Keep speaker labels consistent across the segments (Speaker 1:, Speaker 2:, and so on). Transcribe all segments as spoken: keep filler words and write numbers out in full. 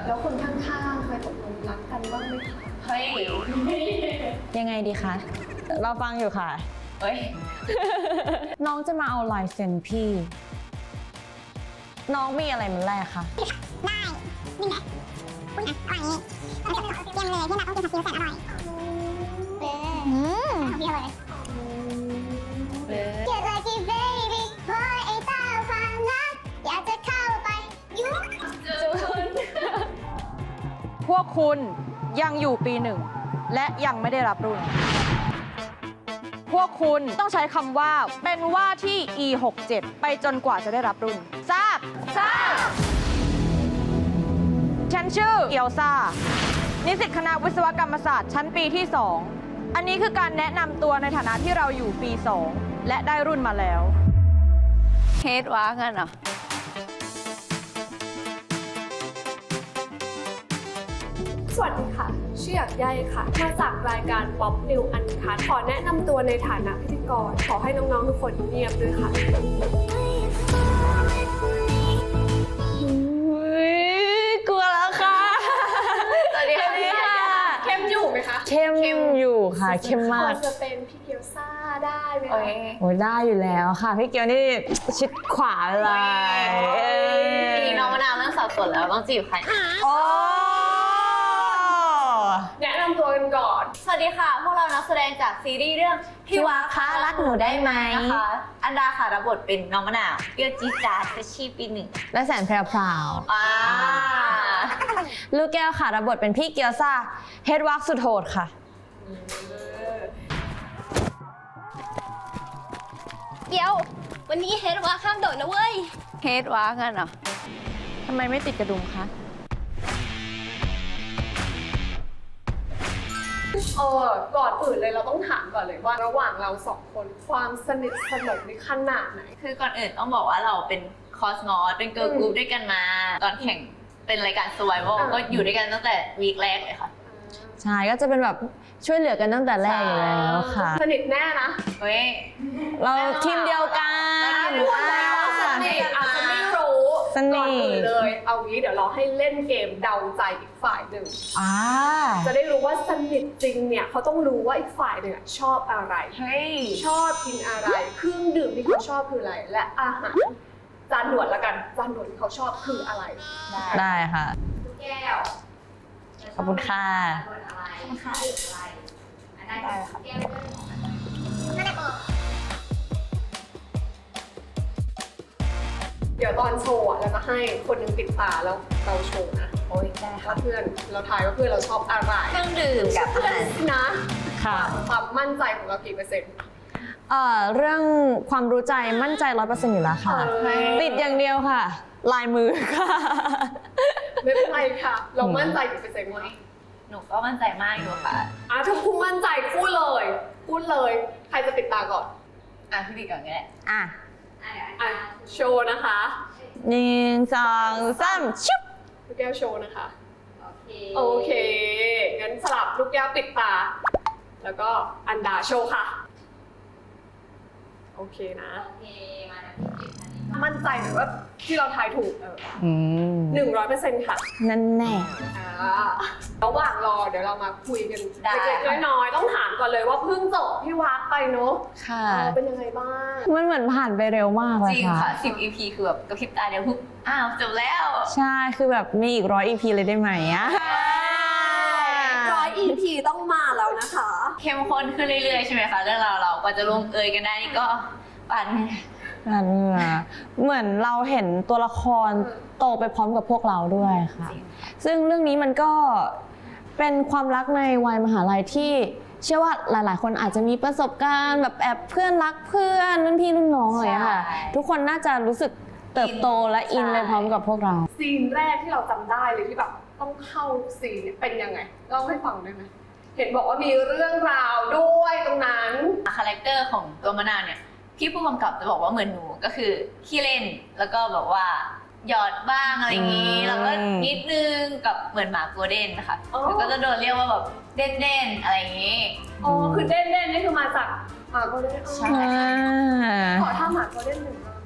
Speaker 1: แล้วคนข้างๆเคยตกลงรักกันบ้างไหมคะ
Speaker 2: เฮ้ย
Speaker 3: ยังไงดีคะ เราฟังอยู่ค่ะ
Speaker 2: เฮ้ย
Speaker 3: น้องจะมาเอาลายเซ็นพี่ น้องมีอะไรมันแรกคะ
Speaker 4: ได้นี่ไงอุ้ยอร่อยนี่เตรียมเลยที่เราต้องกินผัดซีอิ๊วแสนอร่อยอืมเดียวเลยเกิดอะไรที่ baby เพราะไอ้ตาฟังนะอยากจะเข้าไปยุ่ง
Speaker 5: พวกคุณยังอยู่ปีหนึ่งและยังไม่ได้รับรุ่น พวกคุณต้องใช้คำว่าเป็นว่าที่ อี หกเจ็ด ไปจนกว่าจะได้รับรุ่น ทราบ ทราบ ฉันชื่อเกียวซานิสิตคณะวิศวกรรมศาสตร์ชั้นปีที่ สอง อันนี้คือการแนะนำตัวในฐานะที่เราอยู่ปี สอง และได้รุ่นมาแล้ว
Speaker 2: เฮดว้ากันเหรอ
Speaker 1: สวัสดีค่ะชื่อหยักใยค่ะ มาจากรายการ Pop New Uncut ขอแนะนำตัวในฐานะพิธีกร ขอให้น้องๆทุกคนเงียบด้วยค่ะ
Speaker 3: กลัวแล้วค่ะ
Speaker 2: สวัสดีค่ะ
Speaker 1: เข้มอยู่ไหมคะ
Speaker 3: เข้มอยู่ค่ะ เข้มมาก
Speaker 1: จะเป็นพี่เกียวซ่าได้ไหม
Speaker 2: โอ้
Speaker 1: คะ
Speaker 2: ย
Speaker 3: โอ้ยได้อยู่แล้วค่ะ พี่เกียวนี่ชิดขวาเลยเอ้ย
Speaker 2: ทีนี้น้องมะนาวเริ่มสับสนแล้วต้องจีบใคร
Speaker 3: โอ้
Speaker 1: แนะนำตัวกันก่อน
Speaker 2: สวัสดีค่ะ พวกเรานักแสดงจากซีรีส์เรื่องพี่วาคะรักหนูได้ไหมนะคะ อันดาค่ะรับบทเป็นน้องมะนาวเปรี้ยวจี๊ดจ๊าดเฟชชี่ปีหนึ่ง
Speaker 3: และแสนแพรวพราว
Speaker 2: อ่า
Speaker 3: ลูกแก้วค่ะรับบทเป็นพี่เกียวซ่าเฮดวักสุดโหดค่ะ
Speaker 4: เดี๋ยววันนี้เฮดว่าข้ามโดดนะเว้ย
Speaker 2: เฮดว้ากันเหรอ
Speaker 5: ทำไมไม่ติดกระดุมคะ
Speaker 1: เออก่อนอื่นเลยเราต้องถามก่อนเลยว่าระหว่างเราสองคนความสนิทสนมในขนาดไหน
Speaker 2: คือก่อนอื่นต้องบอกว่าเราเป็นคอสมอสเป็นเกิร์ลกรุ๊ปด้วยกันมา ตอนแข่งเป็นรายการ Survival
Speaker 1: อ่า
Speaker 2: ก็อยู่ด้วยกันตั้งแต่วีคแรกเลยค่ะ
Speaker 3: ใช่ ก็จะเป็นแบบช่วยเหลือกันตั้งแต่แรกอยู่แล้วค่ะ
Speaker 1: สนิทแน่นะ
Speaker 2: เฮ้ย
Speaker 3: เราทีมเดียวกัน
Speaker 1: สนิทอาจจะไม่รู้
Speaker 3: สนิท
Speaker 1: ก่อนอื่นเลย เอางี้เดี๋ยวเราให้เล่นเกมเดาใจอีกฝ่ายหนึ่ง
Speaker 3: อ่า
Speaker 1: จะได้รู้ว่าสนิทจริงเนี่ยเขาต้องรู้ว่าอีกฝ่ายหนึ่งอะชอบอะไร
Speaker 2: เฮ้ย
Speaker 1: ชอบกินอะไร เครื่องดื่มที่เขาชอบคืออะไร และอาหารจานด่วนละกัน จานด่วนที่เขาชอบคืออะไร
Speaker 3: ได้ค่ะ
Speaker 2: แก้ว
Speaker 3: ขอบคุณค่ะ
Speaker 2: อะไรค่ะอะไรอันนั้นได้ค่ะแก้ว
Speaker 4: นั่นแหละบอก
Speaker 1: เดี๋ยวตอนโชว์อะเราจะให้คนหนึงติดตาแล้วเราโชว์นะ
Speaker 2: โอ้ยได้ค่ะ
Speaker 1: ว่าเพื่อนเราทายว่าเพื่อนเราชอบอะไร
Speaker 2: เครื่องดื่มกับอา
Speaker 1: เพื่อน
Speaker 2: หาร
Speaker 1: นะ
Speaker 3: ค่ะ
Speaker 1: ความมั่นใจของเรากี่เปอร์เซ็นต์
Speaker 3: เอ่อเรื่องความรู้ใจมั่นใจร้อยเปอร์เซ็นต์อยู่แล้วค่ะ
Speaker 1: เฮ้ย
Speaker 3: ติดอย่างเดียวค่ะ ลายมือค่ะ
Speaker 1: ไม่เป็นไรค่ะ เรามั่นใจกี่เปอร์เซ็นต์วะ
Speaker 2: หนูก็มั่นใจมากอยู่ค่ะ
Speaker 1: อ่ะถ้าคุณมั่นใจพูดเลยพูดเลย ใครจะติดตาก่อน
Speaker 2: อ่ะพี่บิ๊กก่อนก็ได้
Speaker 3: อ่ะ
Speaker 1: อ่ะโชว์นะคะ
Speaker 3: หนึ่งสองสามชุบ
Speaker 1: ลูกแก้วโชว์นะคะ
Speaker 2: โอเค
Speaker 1: โอเค งั้นสลับลูกแก้วปิดตา แล้วก็อันดาโชว์ค่ะ โอเคนะ
Speaker 2: โอเค มานะพี่บิ๊กอันนี้
Speaker 1: มั่นใจหรือว่าที่เราทายถูกเออ
Speaker 3: อืม
Speaker 1: หนึ่งร้อยเปอร์เซ็นต์ค่ะ
Speaker 3: นั่นแน่
Speaker 1: อ่าระหว่างรอเดี๋ยวเรามาคุยกันเล็กๆน้อยๆต้องถามก่อนเลยว่าเพิ่งจบพี่วักไปเนอะ
Speaker 3: ค่ะ
Speaker 1: เออเป็นยังไงบ้าง
Speaker 3: มันเหมือนผ่านไปเร็วมากเล
Speaker 2: จ
Speaker 3: ย
Speaker 2: ริง
Speaker 3: ค่ะ
Speaker 2: ค่ะสิบ อี พี คือแบบกระพริบตาเดียวปุ๊บอ้าวจบแล้ว
Speaker 3: ใช่ คือแบบมีอีกร้อยอีพีเลยได้ไหมอะ
Speaker 1: ร้อย อี พี ต้องมาแล้วนะคะ
Speaker 2: เข้มข้นขึ้นเรื่อยๆใช่ไหมคะเรื่องราวเรากว่าจะลงเอยกันได้นี่ก็ปั่น
Speaker 3: นั่นน่ะเหมือนเราเห็นตัวละครโตไปพร้อมกับพวกเราด้วยค่ะ ซึ่งเรื่องนี้มันก็เป็นความรักในวัยมหาลัยที่เชื่อว่าหลายๆ คนอาจจะมีประสบการณ์แบบแอบเพื่อนรักเพื่อนรุ่นพี่รุ่นน้องอะไรอย่างเงี้ยค่ะ ทุกคนน่าจะรู้สึกเติบโตและอินไปพร้อมกับพวกเรา
Speaker 1: ซีนแรกที่เราจำได้เลยที่แบบต้องเข้าซีนเนี่ยเป็นยังไงเล่าให้ฟังได้ไหมเห็นบอกว่ามีเรื่องราวด้วยตรงนั้น
Speaker 2: คาแรคเตอร์ของตัวมะนาวเนี่ยพี่ผู้กำกับจะบอกว่าเหมือนหนูก็คือขี้เล่นแล้วก็แบบว่าหยอดบ้างอะไรอย่างนี้
Speaker 3: อืม
Speaker 2: แล้วก็นิดนึงกับเหมือนหมาโกลเด้นนะคะ
Speaker 1: อ๋อ
Speaker 2: แล้วก็จะโดนเรียกว่าแบบเด่นเด่นๆอะไรอย่างนี้
Speaker 1: อ๋อคือเด่นเด่นนี่คือมาจากหมาโกลเด้น
Speaker 2: ใช่
Speaker 3: อ่า
Speaker 1: ขอท่าหมาโกลเด้นหนึ่งรอบ
Speaker 2: ไอ้ยตอนนั้นพี่ทำไง
Speaker 3: หูพับ
Speaker 1: ได้ไหม
Speaker 2: เ
Speaker 1: คะ
Speaker 2: ฮ้ยตอนนั้นพี่ทำไง
Speaker 1: เออเป็นยังไงบ้าง
Speaker 2: เฮ้ยตอนนั้นพี่ทำไง
Speaker 3: โอ้โห
Speaker 1: เออ
Speaker 3: พับ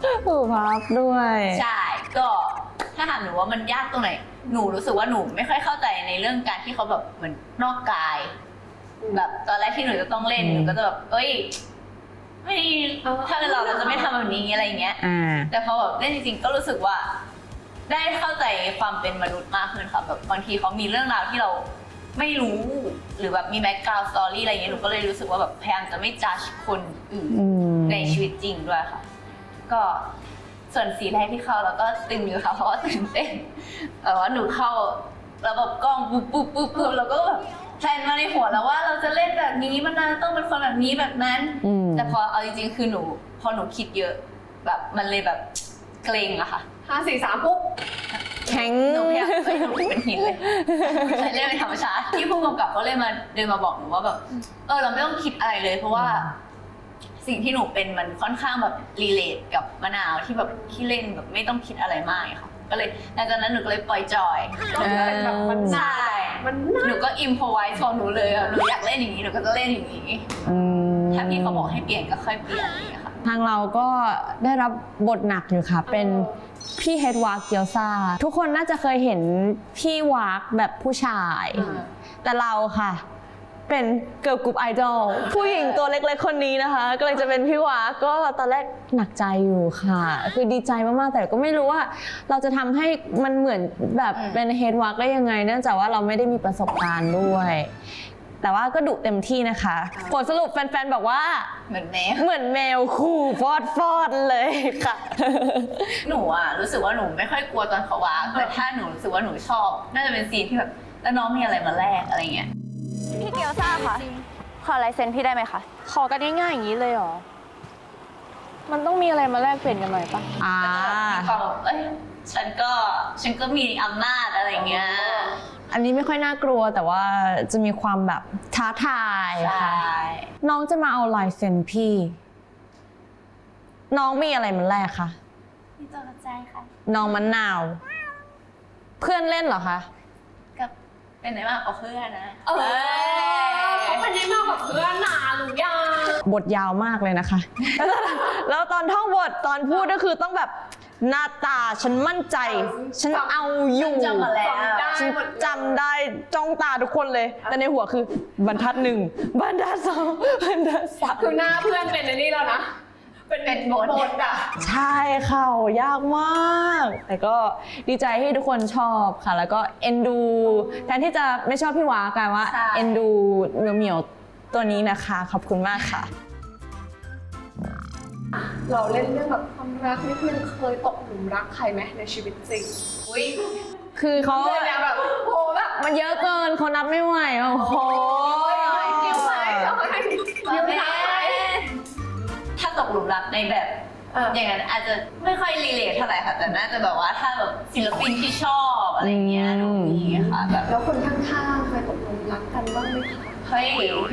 Speaker 3: หูพับด้วย
Speaker 2: ใช่ก็ถ้าถามหนูว่ามันยากตรงไหนหนูรู้สึกว่าหนูไม่ค่อยเข้าใจในเรื่องการที่เขาแบบเหมือนนอกกาย แบบตอนแรกที่หนูจะต้องเล่น
Speaker 3: อืม
Speaker 2: หนูก็จะแบบเอ้ยไม่ถ้าเป็นเราเราจะไม่ทำแบบนี้อะไรอย่างเงี้ย
Speaker 3: อ่า
Speaker 2: แต่พอแบบเล่นจริงๆก็รู้สึกว่า ได้เข้าใจความเป็นมนุษย์มากขึ้นค่ะแบบบางทีเขามีเรื่องราวที่เราไม่รู้หรือแบบมีแบ็กกราวด์สตอรี่อะไรอย่างเงี้ยหนูก็เลยรู้สึกว่าแบบพยายามจะไม่จัดคนอื่น
Speaker 3: อืม
Speaker 2: ในชีวิตจริงด้วยค่ะ ก็ส่วนสีแรกที่เข้าเราก็ตึงอยู่ค่ะเพราะว่าตื่นเต้นแต่ว่าหนูเข้าระบบกล้องปุ๊บปุ๊บปุ๊บปุ๊บเราก็แบบแพลนมาในหัวแล้วว่าเราจะเล่นแบบนี้มันน่าจะต้องเป็นคนแบบนี้แบบนั้น
Speaker 3: อืม
Speaker 2: แต่พอเอาจริงๆคือหนูพอหนูคิดเยอะแบบมันเลยแบบเกรงอะค่ะ
Speaker 1: ห้าสี่สามปุ๊บ
Speaker 3: แข็ง
Speaker 2: หนูพยายามไม่หนูเป็นหินเลยใช้เล่นเป็นธรรมชาติที่ผู้กำกับก็เลยมาเดินมาบอกหนูว่าแบบเออเราไม่ต้องคิดอะไรเลย เพราะว่าสิ่งที่หนูเป็นมันค่อนข้างแบบรีเลทกับมะนาวที่แบบขี้เล่นแบบไม่ต้องคิดอะไรมากอะค่ะก็เลยหลังจากนั้นหนูก็เลยปล่อยจอย
Speaker 1: ก็เป็นแบบมัน
Speaker 2: ใช่
Speaker 1: มัน
Speaker 2: หนูก็อิมพอไว้ของหนูเลยอะหนูอยากเล่นอย่างนี้หนูก็จะเล่นอย่างนี้
Speaker 3: อืม
Speaker 2: ถ้าพี่เขาบอกให้เปลี่ยนก็ค่อยเปลี่ยนอย่างเงี้ยค่ะ
Speaker 3: ทางเราก็ได้รับบทหนักอยู่ค่ะ เป็นพี่เฮดวากเกียวซาทุกคนน่าจะเคยเห็นพี่วากแบบผู้ชาย แต่เราค่ะ เป็นเกิร์ลกรุ๊ปไอดอลผู้หญิงตัวเล็กๆคนนี้นะคะ ก็เลยจะเป็นพี่วากก็ตอนแรกหนักใจอยู่ค่ะ คือดีใจมากๆแต่ก็ไม่รู้ว่า เราจะทำให้มันเหมือนแบบ
Speaker 2: อืม
Speaker 3: เป็นเฮดวากได้ยังไงเนื่องจากว่าเราไม่ได้มีประสบการณ์ด้วย แต่ว่าก็ดุเต็มที่นะคะผลสรุปแฟนๆบอกว่า
Speaker 2: เหมือนแม่
Speaker 3: เหมือนแมวขู่ฟอดฟอดๆเลยค่ะ
Speaker 2: หนูอะรู้สึกว่าหนูไม่ค่อยกลัวตอนเขาวากแต่ถ้าหนูรู้สึกว่าหนูชอบ น่าจะเป็นซีนที่แบบแล้วน้องมีอะไรมาแลกอะไรเงี้ย
Speaker 5: พี่เกียวซ่าคะขอลายเซ็นพี่ได้ไหมคะ ขอกันง่ายๆอย่างนี้เลยเหรอ มันต้องมีอะไรมาแลกเปลี่ยนกันหน่อยปะ
Speaker 3: อ่า
Speaker 2: มีความแบบเอ้ยฉันก็ฉันก็มีอำนาจอะไรเงี้ย
Speaker 3: อันนี้ไม่ค่อยน่ากลัวแต่ว่าจะมีความแบบท้าทาย
Speaker 2: ใช่
Speaker 3: ค่ะ น้องจะมาเอาลายเซ็นพี่ น้องมีอะไรมันแรกคะ
Speaker 2: มีตัวใจค่ะ
Speaker 3: น้องมะนาว เพื่อนเล่นเหรอคะ
Speaker 2: กับเป็นไหนมากกว่าเพื่อนนะ
Speaker 1: เออเขาเป็นได้มากกว่าเพื่อนหนาหรือยัง
Speaker 3: บทยาวมากเลยนะคะ แล้วตอนท่องบทตอนพูดก็คือต้องแบบหน้าตาฉันมั่นใจ ฉันเอาอยู่
Speaker 2: จำมาแล้ว
Speaker 3: ฉันจำได้จ้องตาทุกคนเลย แต่ในหัวคือบรรทัดหนึ่งบรรทัดสองบรรทัดสาม
Speaker 1: คือหน้าเพื่อนเป็นในนี่แล้วนะ เป็น
Speaker 2: เป็นบท
Speaker 1: บทอะ
Speaker 3: ใช่ค่ะโหยากมาก แต่ก็ดีใจที่ทุกคนชอบค่ะ แล้วก็เอ็นดูแทนที่จะไม่ชอบพี่วากลายว่า
Speaker 2: ใช่
Speaker 3: เอ็นดูเหมียวเหมียวๆตัวนี้นะคะ ขอบคุณมากค่ะ
Speaker 1: เราเล่นเรื่องแบบความรักนี่คือเคยตกหลุมรักใครไหมในชีวิตจริง
Speaker 2: อุ้ย
Speaker 3: คือเขา
Speaker 1: เรื่องแบบโหแบบ
Speaker 3: มันเยอะเกินเขานับไม่ไหวโอ้โห
Speaker 1: คิวไหมเอาให้คิวไหม
Speaker 2: ถ้าตกหลุมรักในแบบ
Speaker 1: เออ
Speaker 2: อย่างนั้นอาจจะไม่ค่อยรีเลทเท่าไหร่ค่ะ แต่น่าจะแบบว่าถ้าแบบศิลปินที่ชอบอะไรเงี้ยหนูมีค่ะแบบ
Speaker 1: แล้วคนข้างๆเคยตกหลุมรักกันบ้างไหมคะ
Speaker 2: เฮ้ย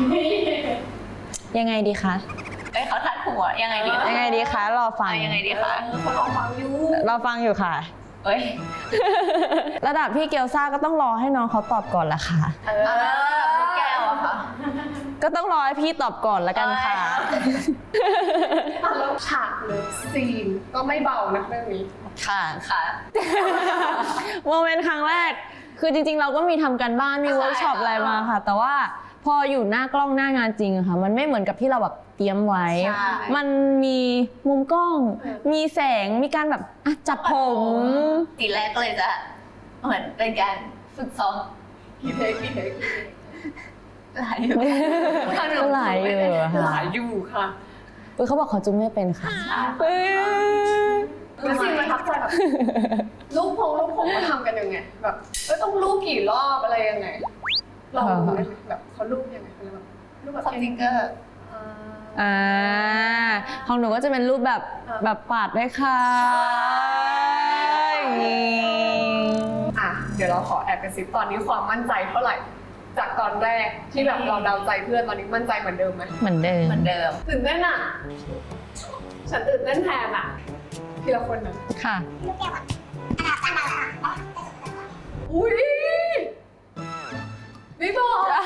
Speaker 3: ยังไงดีคะ
Speaker 2: เอ้ยเขาทัดหัวยังไงดีคะ
Speaker 3: ยังไงดีคะรอฟัง
Speaker 2: เอายังไงดีคะ
Speaker 1: คนรอฟังอยู่
Speaker 3: รอฟังอยู่ค่ะ
Speaker 2: เอ้ย
Speaker 3: ระดับพี่เกียวซ่าก็ต้องรอให้น้องเขาตอบก่อนละค่ะ
Speaker 1: เอ
Speaker 2: เอาแล้วลูกแก้วอะค่ะ
Speaker 3: ก็ต้องรอให้พี่ตอบก่อนละกันค่ะ
Speaker 1: อแล้วฉากเลยซีนก็ไม่เบานะเรื่องนี้
Speaker 3: ค่ะ
Speaker 2: ค่ะ
Speaker 3: โมเมนต์ครั้งแรก คือจริงๆ เราก็มีทำกันบ้าน มี
Speaker 2: ใช่
Speaker 3: เวิร์กช็อปอะไรมาค่ะ แต่ว่าพออยู่หน้ากล้องหน้างานจริงอะค่ะ มันไม่เหมือนกับที่เราแบบเตรียมไว้
Speaker 2: ใช่
Speaker 3: มันมีมุมกล้อง มีแสง มีการแบบอ่ะจัดผม
Speaker 2: ทีแรกก็เลยจะเหมือนเป็นการฝึกซ้อม
Speaker 1: กี่เทคกี่เทค
Speaker 2: หลายอยู่
Speaker 3: ก็หลายอยู่อะ
Speaker 1: ห
Speaker 3: ค่ะ
Speaker 1: ลายอยู่ค่ะ
Speaker 3: อุ๊ยเขาบอกเขาจุ้มไม่เป็นค่ะเอ้ย
Speaker 1: แล้วซีนประทับใจแบบลูกพงลูกผมเขาทำกันยังไงแบบเอ้ยต้องลูกกี่รอบอะไรยังไงลองดูได้ไหมแบบเขาลูกยังไงเขาแบบลูกแบบ
Speaker 2: ความจริงก็
Speaker 1: อ่า
Speaker 3: อ่าของหนูก็จะเป็นรูปแบบ
Speaker 1: อ่า
Speaker 3: แบบปาดด้วยค่ะอย่างงี้
Speaker 1: อ่ะเดี๋ยวเราขอแอบกระซิบตอนนี้ความมั่นใจเท่าไหร่ จากตอนแรกที่แบบเราเดาใจเพื่อนตอนนี้มั่นใจเหมือนเดิมไหม
Speaker 3: เหมือนเดิม
Speaker 2: เหมือนเดิม
Speaker 1: ตื่นเต้นอ่ะ ฉันตื่นเต้นแทนอ่ะทีละคนนะ
Speaker 3: ค่ะ
Speaker 4: ลูกแก้วอ่ะอันดับอันดับอ่ะ
Speaker 1: อุ้ยไม่บอกอ่ะ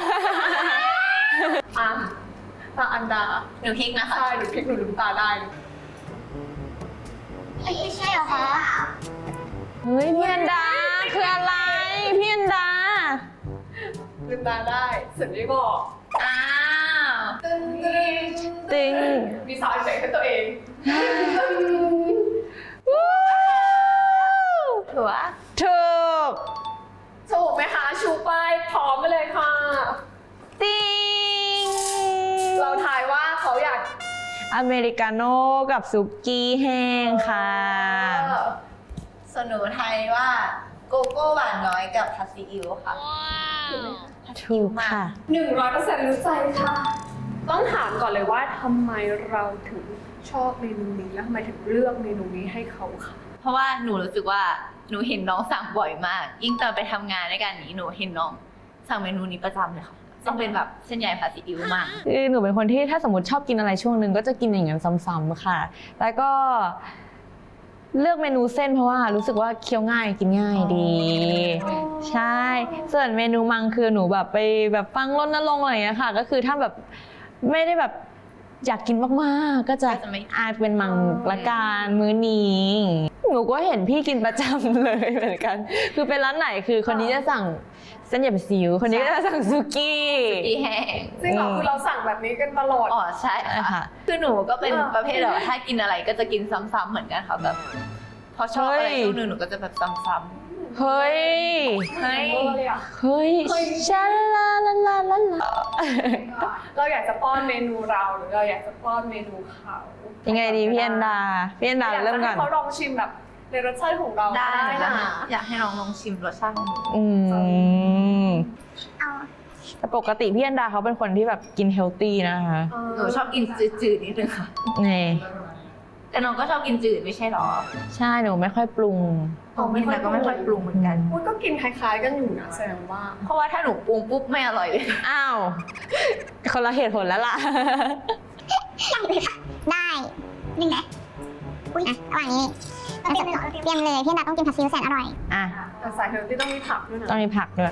Speaker 1: ตาอันดา
Speaker 2: หนูพลิกนะคะ
Speaker 1: ใช่หนูพลิกหนูลืมตาได้
Speaker 4: ไม่ใช่เหรอคะ
Speaker 3: เฮ้ยพี่อันดาคืออะไรพี่อันดา
Speaker 1: ลืมตาได้สุดที่บอก
Speaker 2: อ้าว
Speaker 1: ตึ้งตึ้ง
Speaker 3: ติง
Speaker 1: มีซาวด์เอฟเฟกต์ให้ตัวเอง
Speaker 2: ถือว่า
Speaker 3: ถูก
Speaker 1: ถูกไหมคะชูป้ายพร้อมไปเลยค่ะ
Speaker 3: ติง
Speaker 1: เราทายว่าเขาอยาก
Speaker 3: อเมริกาโน่กับซุกี้แห้งค่ะ
Speaker 2: ส่วนหนูไทยว่าโกโก้หวานน้อยกับผัดซีอิ๊วค่ะ
Speaker 3: ถูกค่ะ
Speaker 1: หนึ่งร้อยเปอร์เซ็นต์รู้ใจค่ะ ต้องถามก่อนเลยว่าทำไมเราถึงชอบเมนูนี้แล้วทำไมถึงเลือกเมนูนี้ให้เขาค่ะ
Speaker 2: เพราะว่าหนูรู้สึกว่าหนูเห็นน้องสั่งบ่อยมาก ยิ่งตอนไปทำงานด้วยกันนี้หนูเห็นน้องสั่งเมนูนี้ประจำเลยค่ะต้องเป็นแบบเส้นใหญ่ผัดซีอิ๊วมาก
Speaker 3: คือหนูเป็นคนที่ถ้าสมมติชอบกินอะไรช่วงหนึ่งก็จะกินอย่างนั้นซ้ำๆค่ะ แล้วก็เลือกเมนูเส้นเพราะว่ารู้สึกว่าเคี้ยวง่ายกินง่ายดี ใช่ ส่วนเมนูมังคือหนูแบบไปแบบฟังรณรงค์อะไรอย่างเงี้ยค่ะ ก็คือถ้าแบบไม่ได้แบบอยากกินมากๆ ก็จะ
Speaker 2: ก็จะไม่
Speaker 3: อาจเป็นมังละกันมื้อนี้หนูก็เห็นพี่กินประจำเลยเหมือนกัน คือเป็นร้านไหนคือคนนี้จะสั่งเส้นใหญ่ผัดซีอิ๊วคนนี้ก็จะสั่งซุกี้
Speaker 2: อีแห้ง
Speaker 1: จริงเหรอคือเราสั่งแบบนี้กันตลอด
Speaker 2: อ๋อใช่
Speaker 3: ใช่
Speaker 2: ค่ะ
Speaker 3: ค่ะ
Speaker 2: คือหนูก็เป็น
Speaker 1: เออ
Speaker 2: ประเภทแบบว่าถ้ากินอะไรก็จะกินซ้ำๆเหมือนกันค่ะแบบพอชอบอะไร
Speaker 3: เฮ้ย
Speaker 2: ช่วงหนึงหนูก็จะแบบซ้ำ
Speaker 3: เฮ้ย
Speaker 2: ๆเฮ้ย
Speaker 1: เลยอะ
Speaker 3: เฮ้ยชาลาลาลาลาลา
Speaker 1: เราอยากจะป้อนเมนูเราหรือเราอยากจะป้อนเมนูเขา
Speaker 3: ยังไงดีพี่อันดาพี่อันดา
Speaker 1: อยาก
Speaker 3: เริ่ม
Speaker 1: จะ
Speaker 3: ก่
Speaker 1: ให้
Speaker 3: อน
Speaker 1: เขาลองชิมแบบในรสชาติของเรา
Speaker 2: ได้
Speaker 1: ได้
Speaker 2: นะ
Speaker 1: นะ
Speaker 2: อยากให้น้องลองชิมรสชาติของหนู
Speaker 3: อืม
Speaker 4: เอา
Speaker 3: แต่ปกติพี่อันดาเขาเป็นคนที่แบบกินเฮลตี้นะคะ
Speaker 2: หนูชอบกินจืดๆนิดนึงค่ะ
Speaker 3: นี่
Speaker 2: แต่น้องก็ชอบกินจืดไม่ใช่หรอ
Speaker 3: ใช่หนูไม่ค่อยปรุง
Speaker 2: อ๋อไม่แต่ก็ไม่ค่อยปรุงเหมือนกัน
Speaker 1: อุ๊ยก็กินคล้ายๆกันอยู่นะแสดงว่า
Speaker 2: เพราะว่าถ้าหนูปรุงปุ๊บไม่อร่อยเลย
Speaker 3: อ้าวคนละเหตุผลแล้วล่ะ
Speaker 4: ได้หนึ่งนะอุ้ยอ่ะระหว่างนี้เราจะเตรียมเลยพี่อันดาต้องกินผัดซีอิ๊วแสนอร่อย
Speaker 3: อ่ะ
Speaker 1: แต่สายเฮลตี้ต้องมีผักด้วยนะ
Speaker 3: ต้องมีผักด้วย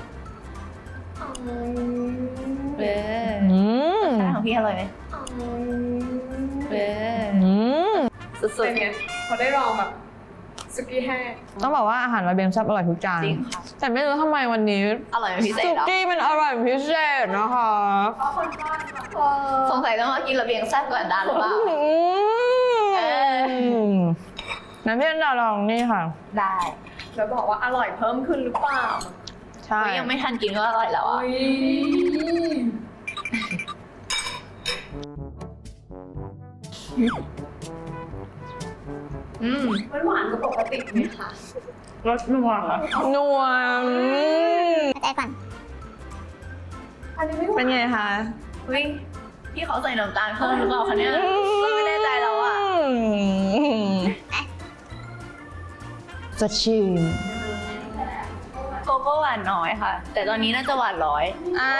Speaker 2: เออ
Speaker 3: อืม
Speaker 2: รสชาติของพี่อร่อยไหมเออ
Speaker 3: อืม
Speaker 2: สุด
Speaker 1: เป็นไงเขาได้ลองแบบสุกี้แห้ง
Speaker 3: ต้องบอกว่าอาหารวาเบมซับอร่อยทุกจาน
Speaker 2: ๆจริงค่ะ
Speaker 3: แต่ไม่รู้ทำไมวันนี้
Speaker 2: อร่อยเป็นพิเศ
Speaker 3: สุ
Speaker 2: ษเหรอ
Speaker 3: กี้มันอร่อยเป็นพิเศษนะคะ
Speaker 2: สงสัยต้องมากินระเบียงแซ่บก่อนดานหรือเปล่า
Speaker 3: อื
Speaker 2: เออ
Speaker 3: มงั้นพี่อันดาลองนี่ค่ะ
Speaker 2: ได้
Speaker 1: แล้วบอกว่าอร่อยเพิ่มขึ้นหรือเปล่า
Speaker 3: ใช่
Speaker 2: เฮ้ยยังไม่ทันกินก็อร่อยแล้วอ่ะ
Speaker 1: อุ๊ย
Speaker 2: อืม
Speaker 1: มันหวานกว่าปกติไหมคะ
Speaker 2: รสนัวค่ะ
Speaker 3: นัวอืม
Speaker 4: ใจก่อน
Speaker 1: อันนี้ไม่หวาน
Speaker 3: เป็นไงคะ
Speaker 2: เฮ้ยพี่เขาใส่น้ำตาลเพิ่มหรือเปล่าคะเนี่ยก็ไม่แน่ใจแล้วอ่ะ
Speaker 3: สดชื่น
Speaker 2: โกโก้หวานน้อยค่ะ แต่ตอนนี้น่าจะหวานร้อย
Speaker 3: อ่า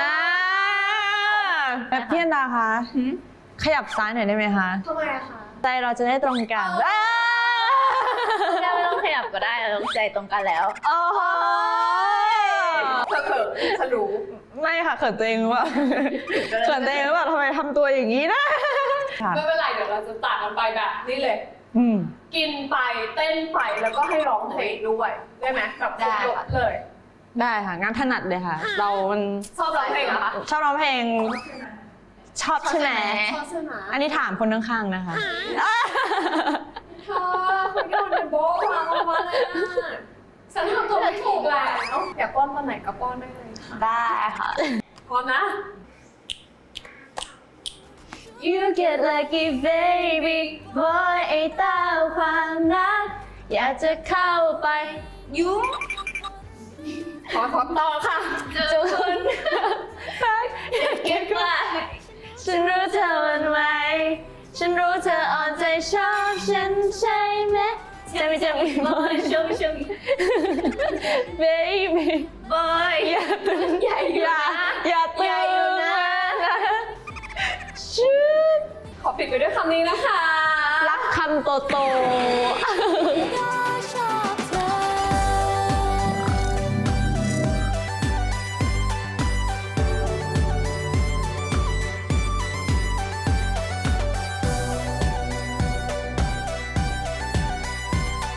Speaker 3: แบบพี่อันดาคะขยับซ้ายหน่อยได้ไหมคะ
Speaker 1: ทำไมอะคะ
Speaker 3: ใจเราจะได้ตรงกันอ่า
Speaker 2: ไม่ต้องขยับก็ได้เราใจตรงกันแล้ว
Speaker 3: โอ้โห
Speaker 1: เธอเขินฉันรู้
Speaker 3: ไม่ค่ะเขินตัวเองหรือเปล่าเขินตัวเองหรือเปล่าทำไมทำตัวอย่างนี้นะค่ะ
Speaker 1: ไม่เป็นไรเดี๋ยวเราจะตัดกันไปแบบนี้เลย
Speaker 3: อืม
Speaker 1: กินไปเต้นไปแล้วก็ให้ร้องเพลงด้วยได้ไหมแบบครบรสเลย
Speaker 3: ได้ค่ะงานถนัดเลยค่ะ เรามัน
Speaker 1: ชอบร้องเพลงเหรอคะ
Speaker 3: ชอบร้องเพลง ชอบใช่ไหม
Speaker 1: ชอบใช่ไหม
Speaker 3: อันนี้ถามคนข้างๆนะคะ
Speaker 1: เธอคุณโยนโบ๊ะวางออกมาเลยอะฉันทำตัวไม่ถูกแล้วอยากป้อนตอนไหนก็ป้อนได้เลยค่ะ
Speaker 2: ได้ค่ะ
Speaker 1: พร้อมนะ
Speaker 3: You get lucky baby boy ไอ้เต้าความรักอยากจะเข้าไปยุ่ง
Speaker 1: ขอขอต่อค่ะ
Speaker 2: เจอคุณ
Speaker 3: รัก
Speaker 2: เก็บไว้
Speaker 3: ฉันรู้เธอหวันไหวฉันรู้เธออ่อนใจชอบฉันใช่ไหมจะไม่จะมีบอย
Speaker 2: ชมชม
Speaker 3: baby
Speaker 2: บอย
Speaker 3: อย่าตื่น
Speaker 2: ใหญ่อยู่
Speaker 3: อย่า
Speaker 2: นะ
Speaker 3: อย่า
Speaker 2: ใหญ่
Speaker 3: ตื่
Speaker 2: อยู่
Speaker 3: น
Speaker 2: นะ
Speaker 3: นะชื่อ
Speaker 1: ขอปิดไปด้วยคำนี้นะคะ
Speaker 3: รักคำโตโต